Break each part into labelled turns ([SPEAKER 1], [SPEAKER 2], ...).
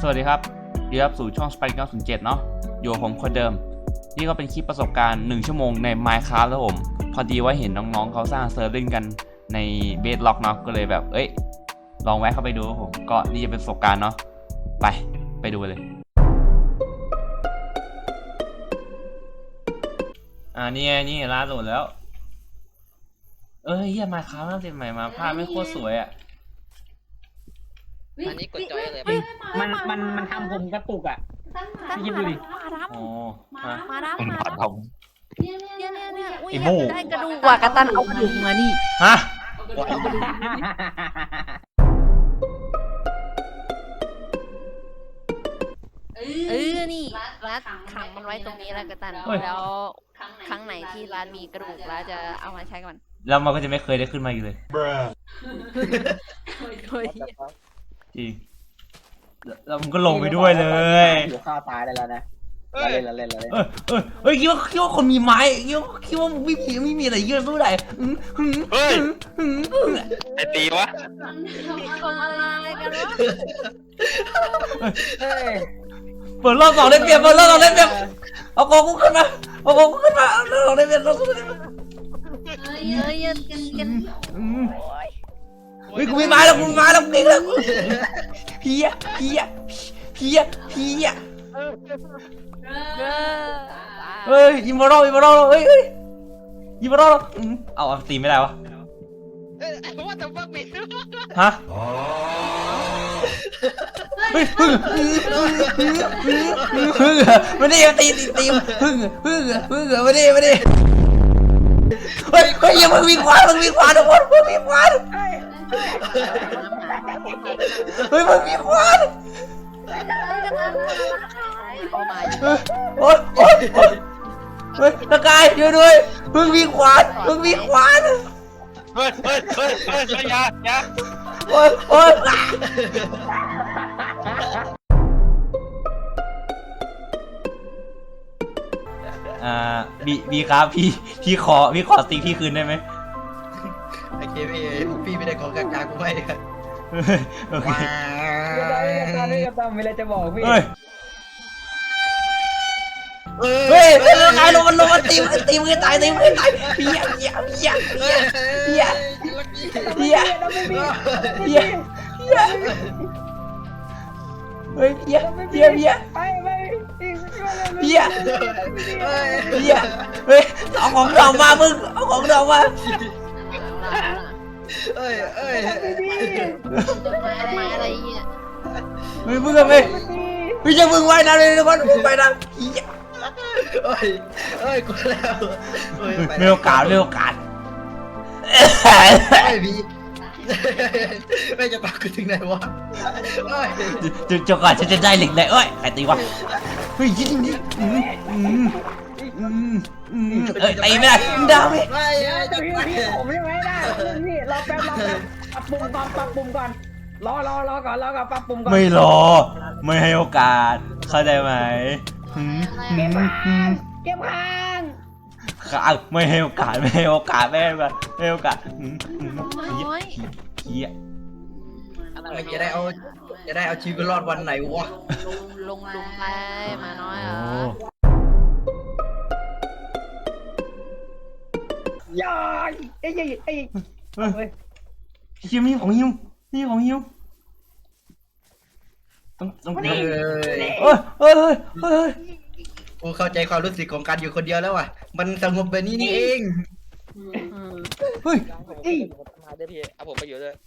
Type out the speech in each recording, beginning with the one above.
[SPEAKER 1] สวัสดีครับยินดีรับสู่ช่อง Spike 907 เนาะอยู่กับผมคนเดิมนี่ก็เป็นคลิปประสบการณ์1 ชั่วโมงใน Minecraft แล้วผมพอดีว่าเห็นน้องๆเขาสร้างเซิร์ฟเล่นกันใน Bedrock เนาะก็เลยแบบลองแวะเข้าไปดูครับผมก็นี่จะเป็นประสบการณ์เนาะไปดูเลยนี่ร้านโหลดแล้วเฮีย Minecraft น่าเต็มใหม่มาภาพไม่โคตรสวยอ่ะ
[SPEAKER 2] อันนี้กดจอยเลย
[SPEAKER 3] มันทำผมกระตุกอ่ะยิบดูดิ
[SPEAKER 1] โอ้
[SPEAKER 4] มาดาม
[SPEAKER 5] มันผ่านท
[SPEAKER 4] เนี่ยอุ้ย
[SPEAKER 1] ไอ้โม่
[SPEAKER 4] ได้กระดูกว่ากระตันเอากระดูกมานี่
[SPEAKER 1] ฮะ
[SPEAKER 4] นี่ร้านขังมันไว้ตรงนี้แล้วกระตันแล้วครั้งไหนที่ร้านมีกระดูกร้านจะเอามาใช้ก่อน
[SPEAKER 1] แล้วมันก็จะไม่เคยได้ขึ้นมาอีกเลย
[SPEAKER 4] โดย
[SPEAKER 1] จริงแล้วมันก็ลงไปด้วยเลย
[SPEAKER 3] อยู่ข้าวตายได้แล้วนะเล่น
[SPEAKER 1] คิดว่าคนมีไม้คิดว่าไม่มีอะไรเยอะเท่าไหร่
[SPEAKER 5] เฮ้ยไอตีวะ
[SPEAKER 4] ทำอะไรกันวะ
[SPEAKER 1] เปิดรอบ2ได้เปรียบเอากองกูขึ้นมาเอารอบ2ได้เปรียบ
[SPEAKER 4] อย่ากินกัน
[SPEAKER 1] กูมีไม้แล้วกูเก่งแล้วเพี้ยอิมมอรัลอิมมอรัลเอาตีไม่ได้วะ
[SPEAKER 2] ว่าแต่ว่ามี
[SPEAKER 1] ฮะไม่ได้ตีพึ่งไม่ได้ยังมึงมีควานทุกคนมึงมีควานมึงมีควานโอ๊ยตะกายช่วยด้วยมึงมีควาน
[SPEAKER 5] เฮ้ยอย่า
[SPEAKER 1] โอ๊ยบีครับพี่ขอสติ๊กพี่คืนได้ไหม
[SPEAKER 2] โอเคพี่ไม่ได้ขอกลางกูไม่เลย
[SPEAKER 1] โอเค
[SPEAKER 3] ก็ต้องมีอะไรจะบอกพี่
[SPEAKER 1] ตายลงมันตีมือตายเพี้ยเอาของดอกมามึงเอาของดอกมา
[SPEAKER 4] มาอะไรเงี้ย
[SPEAKER 1] มึงอะไรพี่จะมึงไว้นะเลยทุกคนมึงไปนะ
[SPEAKER 2] กูแล้ว
[SPEAKER 1] ไม่โอกาส
[SPEAKER 2] พี่ไม่จะปากกูถึงไหนวะ
[SPEAKER 1] จนก่อนฉันจะได้เหล็กได้ใครตีวะยิงตีไม่ได้ดาว
[SPEAKER 3] พี่ผมยังไม่ได้พี่รอแป๊บปรับปรุงก่อนรอก่อนปรับปรุงก่อน
[SPEAKER 1] ไม่รอไม่ให้โอกาสเข้าใจไหม
[SPEAKER 3] เก็บค้าง
[SPEAKER 1] ไม่ให้โอกาสเฮีย
[SPEAKER 2] จะได้เอาชีวิตรอดวันไหนวะ
[SPEAKER 4] ลงลุมไปมาน้อยเหรอ
[SPEAKER 3] อย่า
[SPEAKER 1] มีของฮิวต้อง
[SPEAKER 2] กูเข้าใจความรู้สึกของการอยู่คนเดียวแล้วว่ะมันสงบแบบนี้นี่เอง
[SPEAKER 5] มาได้พี่เอาผมไปอยู่ด้วย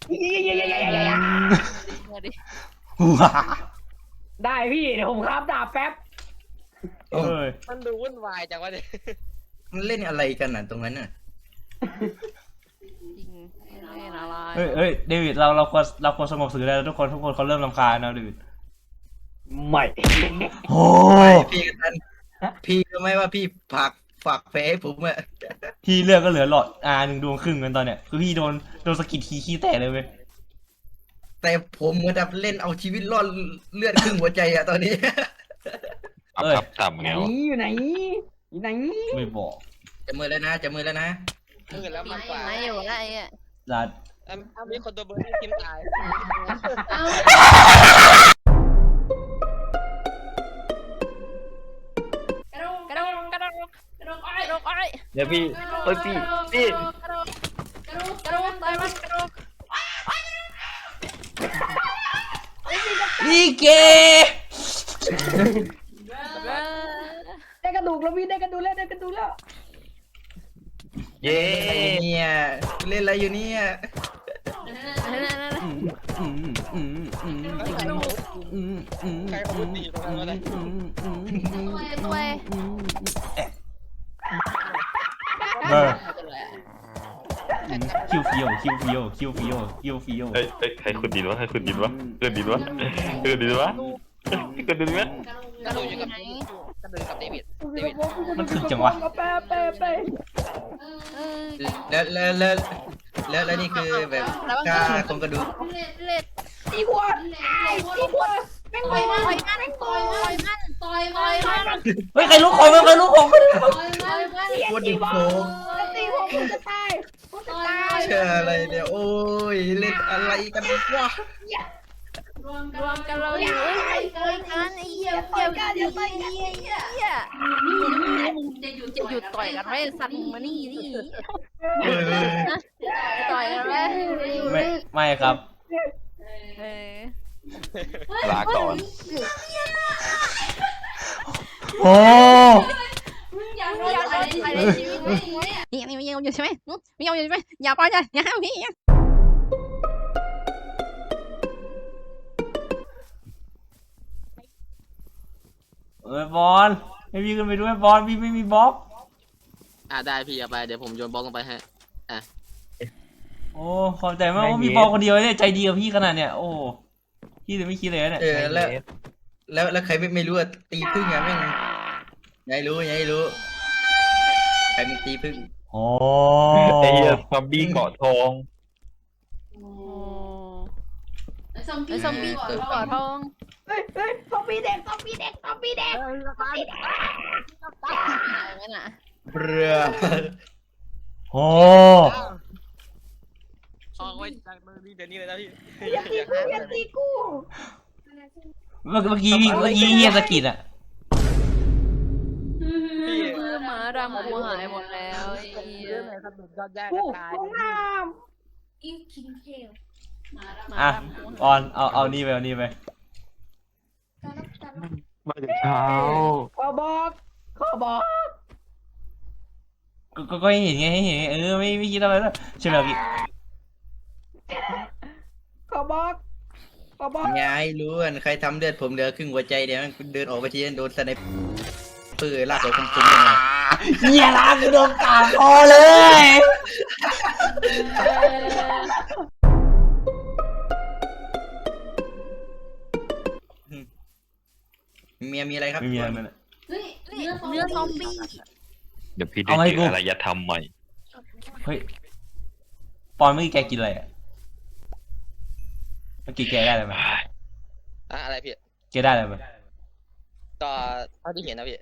[SPEAKER 3] ได้พี่เดี๋ยวผมครับดาบแป๊บ
[SPEAKER 5] มันดูวุ่นวายจังวะเนี่ย
[SPEAKER 2] มันเล่นอะไรกันน่ะตรงนั้นน่ะ
[SPEAKER 1] เดวิดเราควรสงบศึกแล้วทุกคนเขาเริ่มรำคาญนะเดวิด
[SPEAKER 3] ไม่
[SPEAKER 1] โอ้
[SPEAKER 2] พี่กันพี่รู้ไหมว่าพี่ฝากแพ้ให้ผมอะ
[SPEAKER 1] พี่เลือดก็เหลือหลอด1 ดวงครึ่งกันตอนเนี้ยคือพี่โดนสกิดขี้แตกเลยเว้ย
[SPEAKER 2] แต่ผมเหมือนแบบเล่นเอาชีวิตรอดเลือดครึ่งหัวใจอะตอนนี้
[SPEAKER 5] ครับต่ำไงวะ
[SPEAKER 3] อยู่ไหน
[SPEAKER 1] ไม่บอก
[SPEAKER 2] จะมือแล้วนะ
[SPEAKER 5] มือแล้วมันกว่า
[SPEAKER 4] ไม่อยู่แล้วไอ้
[SPEAKER 1] รัด
[SPEAKER 5] มีคนตัวเบอร์ที่ทีมตายเดี๋ยวพี่เอ้ยพี่
[SPEAKER 4] กระโดดต่อยมันกระโดด
[SPEAKER 1] นี่เก
[SPEAKER 3] ได้กระดูกแล้วพี่ได้กระดูกแล้วได้กระดูกแล้ว
[SPEAKER 5] เย้
[SPEAKER 2] เนี่ยเล่นอะไรอยู่เนี่ย
[SPEAKER 5] ใครคนดีตรงนั้นวะเนี่ย
[SPEAKER 4] ตัว
[SPEAKER 1] คิวฟิโอคิวฟิโอคิวฟิโอคิวฟิโอ
[SPEAKER 5] เฮ้ยใครคนดีวะใครคนดีวะเกิดดีวะเกิดดีวะเกิดดีวะ
[SPEAKER 4] กระโดดอยู่กับไหน
[SPEAKER 1] มันถึกจังวะ
[SPEAKER 3] ไป
[SPEAKER 2] แล้วนี่คือแบบกล้าโครงกระดูก
[SPEAKER 4] เล็ด
[SPEAKER 3] ตีหัวตีหัวแม่ง
[SPEAKER 4] ต่
[SPEAKER 3] ไป
[SPEAKER 4] อย
[SPEAKER 3] มา
[SPEAKER 4] มันต่อยมัน
[SPEAKER 1] เฮ้ยใครรู้ของใครรู้ของ
[SPEAKER 2] โคตรดิบโค
[SPEAKER 3] ตีหัวกูจะตายกูจะตาย
[SPEAKER 2] เชื่ออะไรเนี่ยโอ้ยเล่นอะไรกันวะ
[SPEAKER 4] รวมกันเราอยู่ต่อยกันไอ้เหี้ยต่อยกันอย่าต่อยกันไอ้เหี้ยจะหยุดต่อยกันไหมสัตว์มานี่ต่อยกันไหม
[SPEAKER 1] ไม่ครับ
[SPEAKER 5] ลาก่อน
[SPEAKER 1] โอ้
[SPEAKER 4] อยากไปในชีวิตนี่ไม่ยอมอยู่ใช่ไหมไม่ยอมอยู่ใช่ไหมอย่าปล่อยใจอย่าห้ามพี่
[SPEAKER 1] บอลให้พี่ขึ้นไปด้วยบอลพี่ไม่มีบล็อก
[SPEAKER 6] ได้พี่เอาไปเดี๋ยวผมโยนบล็อกลงไปให้
[SPEAKER 1] โอ้ขอบใจมากว่ามีบอลคนเดียวเนี่ยใจดีกับพี่ขนาดเนี่ยโอ้พี่เลยไม่คิดเลยเนี่ย
[SPEAKER 2] แล้วใครไม่รู้อะตีพึ่งอะแม่งยายรู้ใครมันตีพึ่ง
[SPEAKER 1] โอ้
[SPEAKER 5] ไอ้เหี้ยซอมบี้เกาะทอง
[SPEAKER 4] ไอ้ซอมบี้ก่อทอง
[SPEAKER 3] เฮ้ยซอมบี้เด็ก
[SPEAKER 4] งั้นอ่ะ
[SPEAKER 2] เรือ
[SPEAKER 1] โอ้
[SPEAKER 6] ออกไว้จากมือพี่เดี๋ยวนี้เลยนะพี่
[SPEAKER 3] อย่าตีกู
[SPEAKER 1] เมื่อกี้เฮียสกิดอะ
[SPEAKER 4] หมาดำกูหายหมดแล้วไอ้เหี้ย
[SPEAKER 3] กูลงน้
[SPEAKER 1] อ่ะบอลเอานี่ไปเอานี่ไป
[SPEAKER 5] มาจากเช้า
[SPEAKER 3] ำขอบอก
[SPEAKER 1] ก็ให้เห็นไงให้เห็นไม่คิดอะไรแล้วใช่ไหมพี่
[SPEAKER 3] ขอบอก
[SPEAKER 2] ยายรู้อะใครทำเลือดผมเหลือครึ่งหัวใจเดี๋ยวเดินออกไปทีโดนสไนเปอร์ลากออกคุ้มๆเลย
[SPEAKER 1] เฮียล้างโดนกาคอเลย
[SPEAKER 2] เมียมีอะไรครับ
[SPEAKER 1] ไม่มีอะไรนั่น
[SPEAKER 4] เนื้อซอมบี้
[SPEAKER 5] เดี๋ยวพี่ได้เจออารยธรรมใหม่
[SPEAKER 1] เฮ้ยปอนเมื่อกี้แกกินอะไรอะเมื่อกี้แกได้อะไรไหม
[SPEAKER 6] อะไรพี่
[SPEAKER 1] แกได้อะไรไหม
[SPEAKER 6] ก็เท่าที่เห็นนะพี่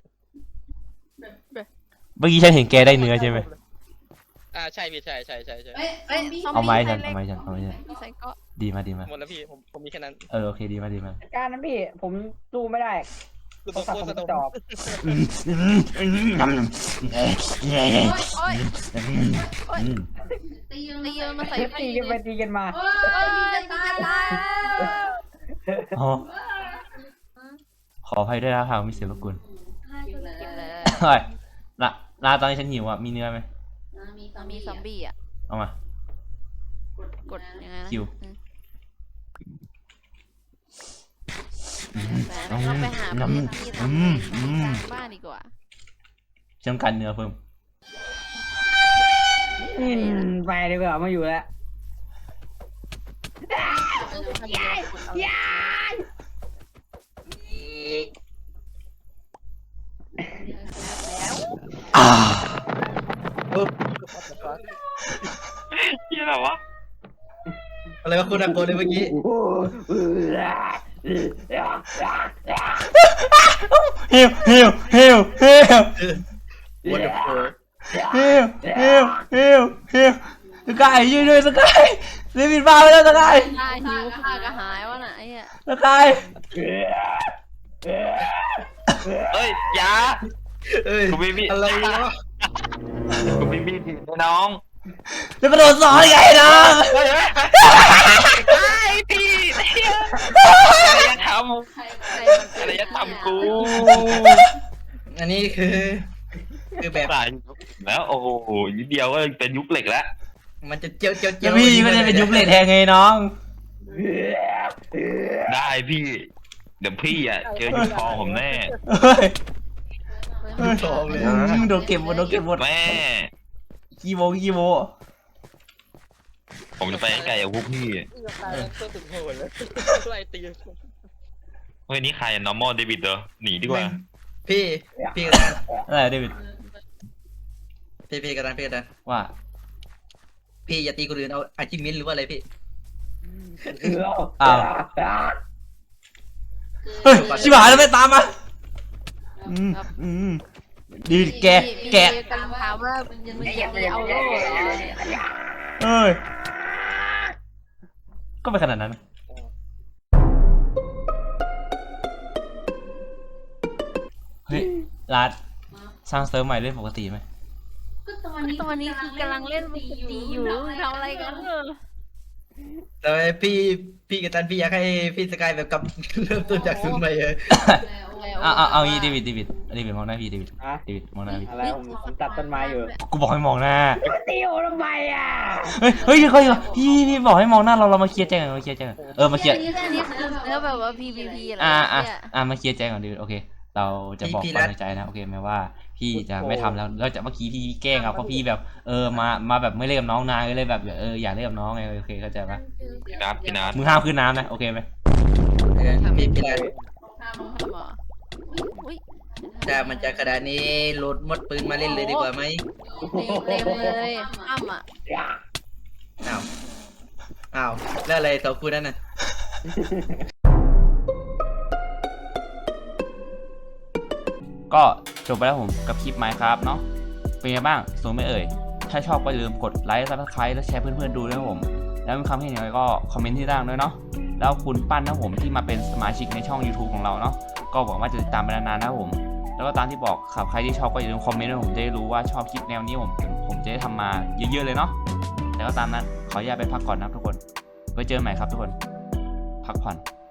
[SPEAKER 1] เมื่อกี้ฉันเห็นแกได้เนื้อใช่ไหม
[SPEAKER 6] ใช่พี่ใช่
[SPEAKER 1] เอาไม้ฉัน
[SPEAKER 4] ใส่ก็
[SPEAKER 1] ดีมา
[SPEAKER 6] หมดแล้วพี่ผมมีแค่นั้น
[SPEAKER 1] โอเคดีมา
[SPEAKER 3] การนั้นพี่ผมสู้ไม่ได้
[SPEAKER 6] คือ
[SPEAKER 3] โท
[SPEAKER 6] ตั
[SPEAKER 3] ร
[SPEAKER 6] ว
[SPEAKER 3] ศัพท์
[SPEAKER 6] โค
[SPEAKER 3] ผ
[SPEAKER 6] ต
[SPEAKER 3] ม
[SPEAKER 6] ร
[SPEAKER 3] ก
[SPEAKER 6] ส
[SPEAKER 3] ระ
[SPEAKER 6] นุ
[SPEAKER 3] จ
[SPEAKER 6] ก
[SPEAKER 3] อก
[SPEAKER 4] ตียืนมาใส่
[SPEAKER 3] ตีกันไปตีกันมา
[SPEAKER 1] ขออภัยด้วยนะหากมีเสียงรบกวน
[SPEAKER 4] กินเลย
[SPEAKER 1] เฮ้ยลาตอนนี้ฉันหิวอ่ะมีเนื้อไหม
[SPEAKER 4] มีซอมบี้อ่ะ
[SPEAKER 1] เอามาก
[SPEAKER 4] ดยังไงนะ
[SPEAKER 1] คิว
[SPEAKER 4] เราไปหาประเภทที่ทำบ้านดีกว่า
[SPEAKER 1] จำกัดเนื้อเพิ่ม
[SPEAKER 3] ไปดีกว่ามาอยู่แล้ว
[SPEAKER 5] เหี้ยอะไรวะ
[SPEAKER 2] อะไรวะคุณอาโกเลยเมื่อกี้
[SPEAKER 1] ฮิว
[SPEAKER 2] What the fuck
[SPEAKER 1] สกายช่วยด้วยสกายเรบินบ้าไปแล้วสกาย
[SPEAKER 4] ได้หิวข้าก็หายวะน่ะไอ้เหี้ย
[SPEAKER 1] สกาย
[SPEAKER 5] เอ้ยยา
[SPEAKER 2] เอ้ย
[SPEAKER 5] คุณพี่
[SPEAKER 2] อะไรวะ
[SPEAKER 5] กูไม่มีผิดนะน้อง
[SPEAKER 1] จะกระโดดสอนไงน้อง
[SPEAKER 5] ไอ้พี่อะไรจะทำอะไรจะทำกู
[SPEAKER 2] อันนี้คือแบบ
[SPEAKER 5] ตายแล้วโอ้โหนิดเดียวก็เป็นยุคเหล็กแล้ว
[SPEAKER 2] มันจะเจียว
[SPEAKER 1] จะพี่ก็จะเป็นยุคเลทแทงไงน้อง
[SPEAKER 5] ได้พี่ เดี๋ยวพี่อ่ะเจอยุคทองผมแน่
[SPEAKER 1] เฮ้ย
[SPEAKER 2] ทองเลย
[SPEAKER 1] โดนเก็บหมดโดนเก็บหมด
[SPEAKER 5] แม่
[SPEAKER 1] กีโม
[SPEAKER 5] ผมจะไปให้ไกลกับพวกพี่
[SPEAKER 6] ตัวถึงโหดเลยไล่ตี
[SPEAKER 5] เฮ้ยนี่ใคร normal David เหรอหนีดีกว่า
[SPEAKER 2] พี่กระดาน
[SPEAKER 1] อะไรเดวิด
[SPEAKER 2] พี่กระดาน
[SPEAKER 1] ว่า
[SPEAKER 2] พี่อย่าตีคนอื่นเอาอาชิมินหรือว่าอะไรพี่
[SPEAKER 1] อ้าวเฮ้ยชิบหายแล้วไม่ตามมาดีแก
[SPEAKER 4] กำลังถามว่ามึงจะมีเอาโล่เหรอ
[SPEAKER 1] เฮ้ยก็ไม่ขนาดนั้นนะเฮ้ยรัดสร้างเซิร์ฟใหม่เล่นปกติไหม
[SPEAKER 4] ตอนนี้คือกำลังเล่นปกติอยู่ทำอะไรกันเออ
[SPEAKER 2] แต่พี่กระดานพี่อยากให้พี่สกายแบบกลับเริ่มต้นจากศูนย์ใหม่เลย
[SPEAKER 1] เอางี้เดวิดมองหน้าพี่เดวิดมองหน้าพี่
[SPEAKER 3] อะไรผมตัดต้นไม้อยู่
[SPEAKER 1] กูบอกให้มองหน้า
[SPEAKER 3] ตีโอทำไมอ่ะ
[SPEAKER 1] เฮ้ยพี่บอกให้มองหน้าเรามาเคลียร์ใจกันมาเคลียร์ใจกันมาเคลียร์
[SPEAKER 4] อันนี้คือเนื้อแบบว่า PVP อะไร
[SPEAKER 1] มาเคลียร์ใจก่อนดิโอเค เราจะบอกความในใจนะโอเคไหมว่าพี่จะไม่ทำแล้วแล้วจากเมื่อกี้พี่แกล้งเอาเพราะพี่แบบมาแบบไม่เล่นกับน้องนายก็เลยแบบอยากเล่นกับน้องไงโอเคเข้าใจปะ
[SPEAKER 5] พี่นัท
[SPEAKER 1] มึงห้ามขึ้นน้ำนะโอเคไหม
[SPEAKER 2] พี่กระดาน
[SPEAKER 4] อุ้ย
[SPEAKER 2] ถ้ามันจะขนาดนี้โหลดมดปืนมาเล่นเลยดีกว่าไหม
[SPEAKER 4] เต็มเลยอ้ำอ่ะ
[SPEAKER 2] อ้าวแล้วอะไรสองคู่นั้นน่ะ
[SPEAKER 1] ก็จบไปแล้วผมกับคลิป Minecraft เนาะเป็นไงบ้างสนุกไหมเอ่ยถ้าชอบก็อย่าลืมกดไลค์ Subscribe และแชร์เพื่อนๆดูด้วยครับผมแล้วมีคำเห็นยังไงก็คอมเมนต์ที่ด้านด้วยเนาะแล้วคุณปั้นนะผมที่มาเป็นสมาชิกในช่อง YouTube ของเราเนาะก็หวังว่าจะติดตามไปนานๆนะครับผมแล้วก็ตามที่บอกครับใครที่ชอบก็อย่าลืมคอมเมนต์ให้ผมจะได้รู้ว่าชอบคลิปแนวนี้ผมจะได้ทำมาเยอะๆเลยเนาะแต่ก็ตามนั้นขออนุญาตไปพักก่อนนะครับทุกคนไว้เจอกันใหม่ครับทุกคนพักผ่อน